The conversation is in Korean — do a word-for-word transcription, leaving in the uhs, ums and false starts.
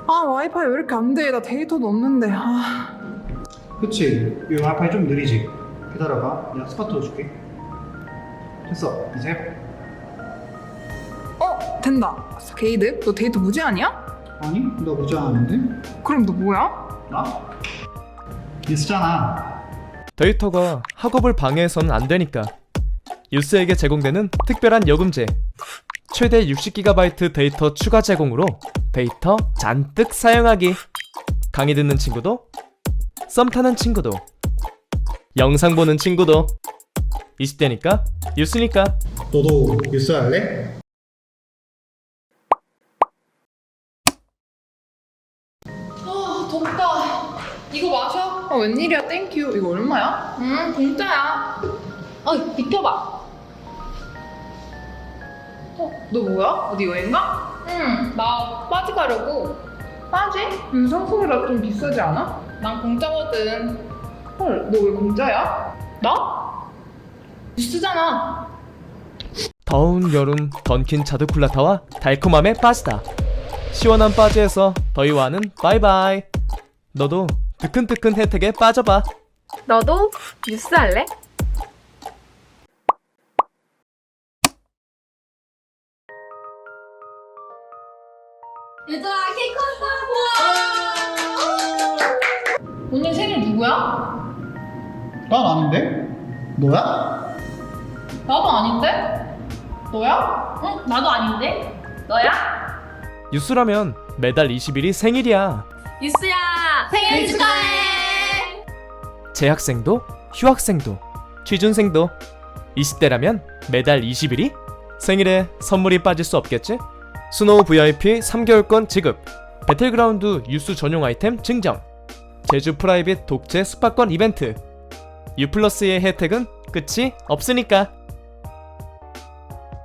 아, 와이파이 왜 이렇게 안 돼? 나 데이터도 없는데. 아. 그치? 이 와이파이 좀 느리지? 기다려봐. 내가 스파트 줄게. 됐어. 이제 해봐. 어, 된다. 게이드, 너 데이터 무제한이야? 아니? 너 무제한인데? 그럼 너 뭐야? 나? 뉴스잖아. 데이터가 학업을 방해해서는 안 되니까 유스에게 제공되는 특별한 요금제, 최대 육십 기가바이트 데이터 추가 제공으로 데이터 잔뜩 사용하기. 강의 듣는 친구도, 썸 타는 친구도, 영상 보는 친구도. 이십 대니까 유스니까. 너도 뉴스 할래? 아, 덥다. 이거 마셔. 아, 웬일이야, 땡큐. 이거 얼마야? 음, 공짜야. 어, 비켜봐. 어, 너 뭐야? 어디 여행 가? 응, 나 빠지 가려고. 빠지? 요즘 성수기라 좀 비싸지 않아? 난 공짜거든. 헐, 너 왜 공짜야? 나? 뉴스잖아. 더운 여름 던킨 자두콜라타와 달콤함에 빠지다. 시원한 빠지에서 더위와는 바이바이. 너도 뜨끈뜨끈 혜택에 빠져봐. 너도 뉴스 할래? 얘들아, 케이크 왔다. 오늘 생일 누구야? 난 아닌데? 너야? 나도 아닌데? 너야? 응, 나도 아닌데? 너야? 유스라면 매달 이십 일이 생일이야. 뉴스야 생일 축하해. 재학생도, 휴학생도, 취준생도. 이십 대라면 매달 이십 일이? 생일에 선물이 빠질 수 없겠지? 스노우 브이아이피 삼 개월권 지급, 배틀그라운드 유스 전용 아이템 증정, 제주 프라이빗 독채 스파권 이벤트. 유플러스의 혜택은 끝이 없으니까.